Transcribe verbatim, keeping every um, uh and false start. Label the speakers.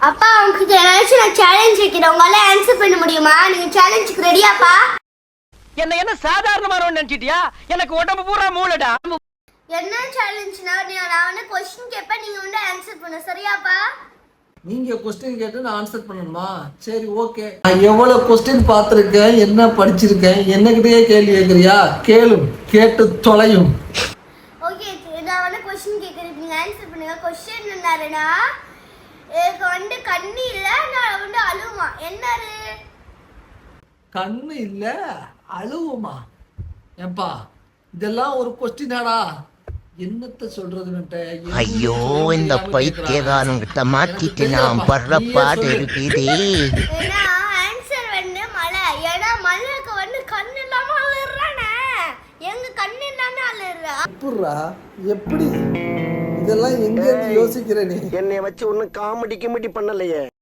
Speaker 1: அப்பா உங்களுக்கு ஏதாச்சும் நான் சேலஞ்ச் வைக்கிறேன், உங்களால ஆன்சர் பண்ண முடியுமா? நீங்க சேலஞ்சுக்கு ரெடியாப்பா?
Speaker 2: என்ன என்ன சாதாரணமானவன் நினைச்சிட்டியா? எனக்கு உடம்பு பூரா மூளைடா.
Speaker 1: என்ன சேலஞ்ச்னா நீ நான் வந்து क्वेश्चन கேப்பேன், நீங்க வந்து ஆன்சர் பண்ணு, சரியாப்பா?
Speaker 3: நீங்க கொஸ்டின் கேட்டு நான் ஆன்சர் பண்ணணுமா? சரி, ஓகே. நான் எவ்வளவு கொஸ்டின் பார்த்துருக்கேன், என்ன படிச்சிருக்கேன், என்னகிட்டயே கேள்வி கேட்குறியா? கேளும், கேட்டு தொலையும்.
Speaker 1: ஓகே, நான் வந்து क्वेश्चन கேக்குறேன், நீங்க ஆன்சர் பண்ணுங்க. क्वेश्चन என்னன்னா, எனக்கு வந்து கண்ணு இல்ல, நான் வந்து அழுவமா. என்னது?
Speaker 3: கண்ணு இல்ல அழுவுமா? ஏப்பா இதெல்லாம் ஒரு கொஸ்டினாடா? என்னத்த சொல்றதுன்னுட்ட?
Speaker 4: ஐயோ, இந்த பைத்தியக்காரங்கிட்ட மாட்டிட்டு நான் படுற பாடு இருக்குதே.
Speaker 1: ஏன்னா ஆன்சர் வந்து மழை. ஏன்னா மழைக்கு வந்து கண்ணு இல்லாம அழுறானே, எங்க கண்ணு இல்லாம அழுறா.
Speaker 3: எப்படிரா? எப்படி இதெல்லாம் எங்க இருந்து யோசிக்கிற நீ?
Speaker 5: என்னைய வச்சு ஒன்னும் காமெடி கிமெடி பண்ணலையே.